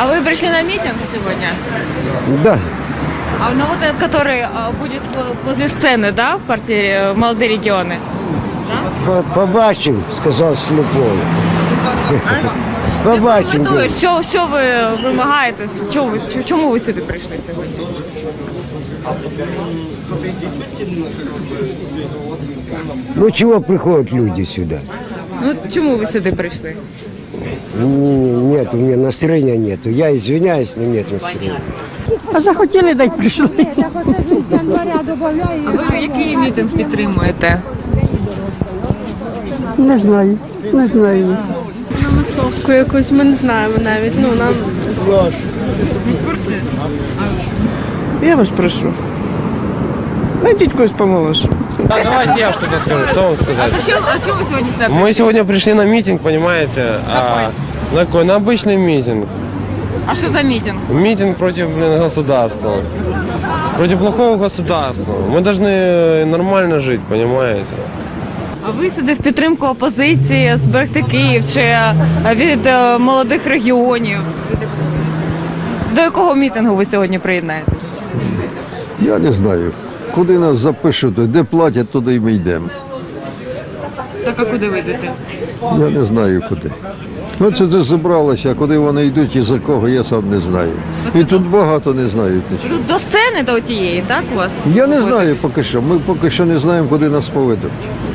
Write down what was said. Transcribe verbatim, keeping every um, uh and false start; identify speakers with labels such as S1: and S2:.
S1: А вы пришли на митинг сегодня?
S2: Да.
S1: А ну вот этот, который а, будет во- возле сцены, да, в квартире «Молодые регионы»?
S2: По- Побачив, сказав Слепой. Побачив.
S1: Метою, що, що ви вимагаєте? Що ви, ч- чому ви сюди прийшли сьогодні?
S2: Ну чего приходят люди сюда?
S1: Ну чому ви сюди прийшли?
S2: Н- Нет, у меня настроения нету. Я извиняюсь, но нет настроения.
S3: А захотіли, дай прийшли.
S1: А ви який мітинг підтримуєте?
S3: Не знаю, не знаю.
S4: На масовку якусь, ми не знаємо навіть. Ну, нам
S5: Я вас прошу. Найдите когось помоложе.
S6: Да, давайте я что-то скажу. Что вам сказать?
S1: А чому, а чому ви сьогодні сюди
S6: Мы сегодня пришли на митинг, понимаете?
S1: Какой?
S6: А, на какой? На обычный митинг.
S1: А що за мітинг?
S6: Митинг против, блин, государства. Против плохого государства. Мы должны нормально жить, понимаете?
S1: А ви сюди в підтримку опозиції, зберегти Київ чи е, від е, молодих регіонів? До якого мітингу ви сьогодні приєднаєтесь?
S7: Я не знаю. Куди нас запишуть, де платять, туди і ми йдемо.
S1: Так а куди ви йдете?
S7: Я не знаю куди. Ну це де зібралося, а куди вони йдуть і за кого, я сам не знаю. І тут багато не знають нічого.
S1: Тут до сцени до тієї, так у вас?
S7: Я не знаю поки що. Ми поки що не знаємо, куди нас поведуть.